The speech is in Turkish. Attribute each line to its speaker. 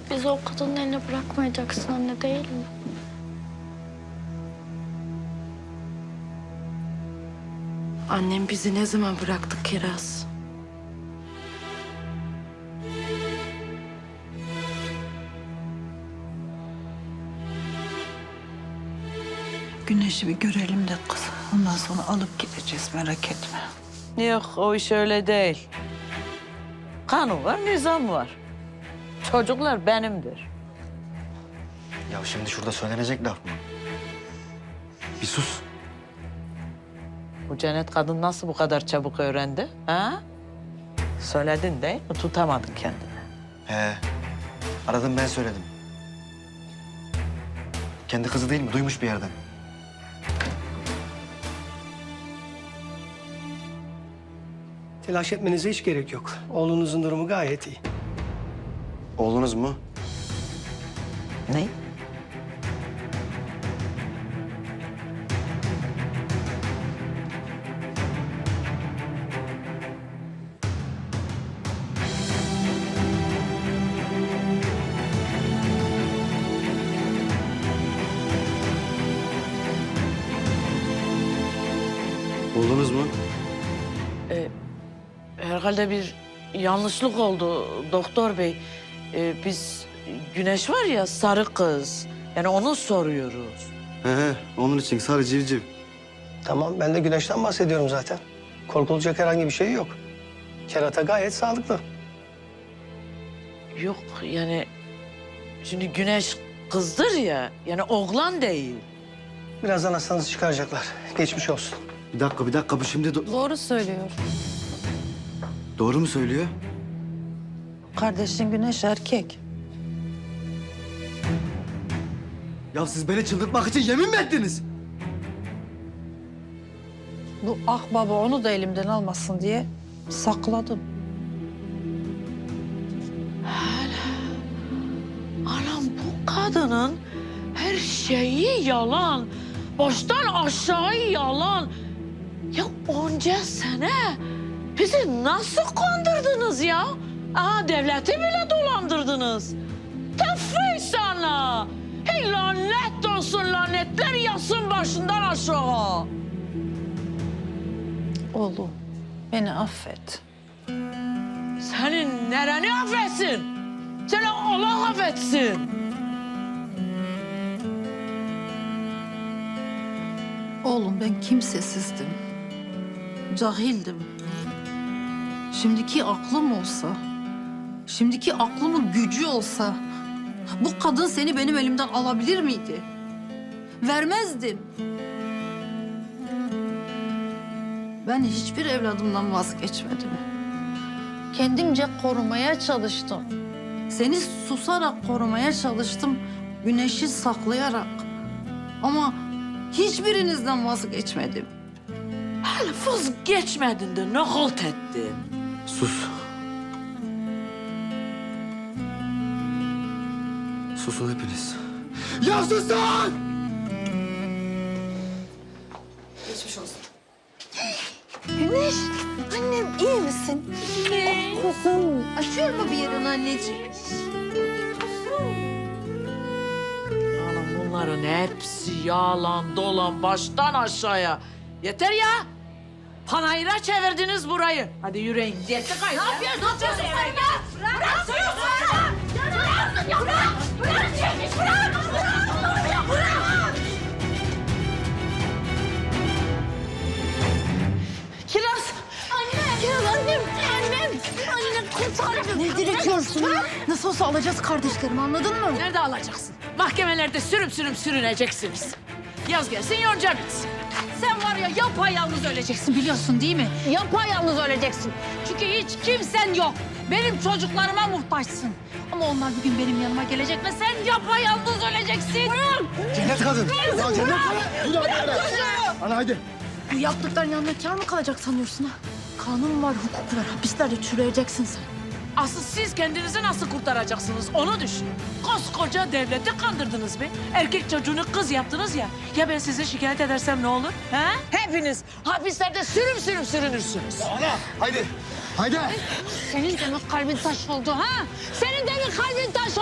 Speaker 1: Bizi o kadının eline bırakmayacaksın anne, değil mi?
Speaker 2: Annem bizi ne zaman bıraktı Kiraz?
Speaker 3: Güneşi bir görelim de kız. Ondan sonra alıp gideceğiz, merak etme.
Speaker 4: Yok, o iş öyle değil. Kanun var, nizam var. Çocuklar benimdir.
Speaker 5: Ya şimdi şurada söylenecek laf mı? Bir sus.
Speaker 4: Bu Cennet kadın nasıl bu kadar çabuk öğrendi? Ha? Söyledin değil mi? Tutamadın kendini.
Speaker 5: He. Aradım ben söyledim. Kendi kızı değil mi? Duymuş bir yerden.
Speaker 6: Telaş etmenize hiç gerek yok. Oğlunuzun durumu gayet iyi.
Speaker 5: Oğlunuz mu?
Speaker 4: Ne?
Speaker 5: Oğlunuz mu?
Speaker 4: Herhalde bir yanlışlık oldu doktor bey. Biz Güneş var ya sarı kız. Yani onu soruyoruz.
Speaker 5: He, onun için sarı civciv.
Speaker 6: Tamam, ben de güneşten bahsediyorum zaten. Korkulacak herhangi bir şey yok. Kerata gayet sağlıklı.
Speaker 4: Yok yani şimdi Güneş kızdır ya. Yani oğlan değil.
Speaker 6: Birazdan hastanızı çıkaracaklar. Geçmiş olsun.
Speaker 5: Bir dakika. Bu şimdi
Speaker 2: Doğru söylüyor.
Speaker 5: doğru mu söylüyor?
Speaker 3: Kardeşin Güneş erkek.
Speaker 5: Ya siz beni çıldırtmak için yemin mi ettiniz?
Speaker 3: Bu baba onu da elimden almasın diye sakladım.
Speaker 4: Anam bu kadının her şeyi yalan. Baştan aşağı yalan. Ya onca sene bizi nasıl kandırdınız ya? Aha devleti bile dolandırdınız. Tefri sana. Hey lanet olsun, lanetler yasın başından aşağı.
Speaker 3: Oğlum beni affet.
Speaker 4: Senin nereni affetsin? Seni Allah affetsin.
Speaker 3: Oğlum ben kimsesizdim. Cahildim. Şimdiki aklım olsa, şimdiki aklımın gücü olsa bu kadın seni benim elimden alabilir miydi? Vermezdim. Ben hiçbir evladımdan vazgeçmedim. Kendimce korumaya çalıştım. Seni susarak korumaya çalıştım, güneşi saklayarak. Ama hiçbirinizden vazgeçmedim.
Speaker 4: Hele vazgeçmedin de ne halt ettin?
Speaker 5: Sus. Susun hepiniz. Ya susun!
Speaker 2: Güneş, annem iyi misin? Ne? Kuzum, acıyor mu bir yerin anneciğim?
Speaker 4: Anam bunların hepsi yalan dolan baştan aşağıya. Yeter ya. Panayıra çevirdiniz burayı. Hadi yürüyün. Yetti kaydı. Ne yapıyorsun? Ne yapıyorsun sen ya? Bırak! Bırak! Bırak! Bırak! Bırak! Bırak! Kiraz!
Speaker 1: Anne! Kiraz annem! Annem! Anne kurtar beni!
Speaker 2: Ne direkiyorsun ya? Nasıl olsa alacağız kardeşlerimi, anladın mı?
Speaker 4: Nerede alacaksın? Mahkemelerde sürüm sürüneceksiniz. Yaz gelsin yonca bitsin. Sen var ya yapayalnız öleceksin biliyorsun değil mi? Yapayalnız öleceksin. Çünkü hiç kimsen yok. Benim çocuklarıma muhtaçsın. Ama onlar bir gün benim yanıma gelecek ve sen yapayalnız öleceksin. Bırak!
Speaker 5: Cennet kadın. Ya cennet kadın.
Speaker 4: Bırak çocuğu!
Speaker 5: Ana hadi.
Speaker 1: Bu yaptıkların yanında kâr mı kalacak sanıyorsun ha? Kanun var, hukuk var. Hapislerde çürüyeceksin sen.
Speaker 4: Asıl siz kendinizi nasıl kurtaracaksınız onu düşünün. Koskoca devleti kandırdınız be. Erkek çocuğunu kız yaptınız ya. Ya ben sizi şikayet edersem ne olur? He? Hepiniz hapislerde sürüm sürünürsünüz.
Speaker 5: Ana haydi. Haydi.
Speaker 1: Senin de mi kalbin taş oldu ha? Senin de mi kalbin taş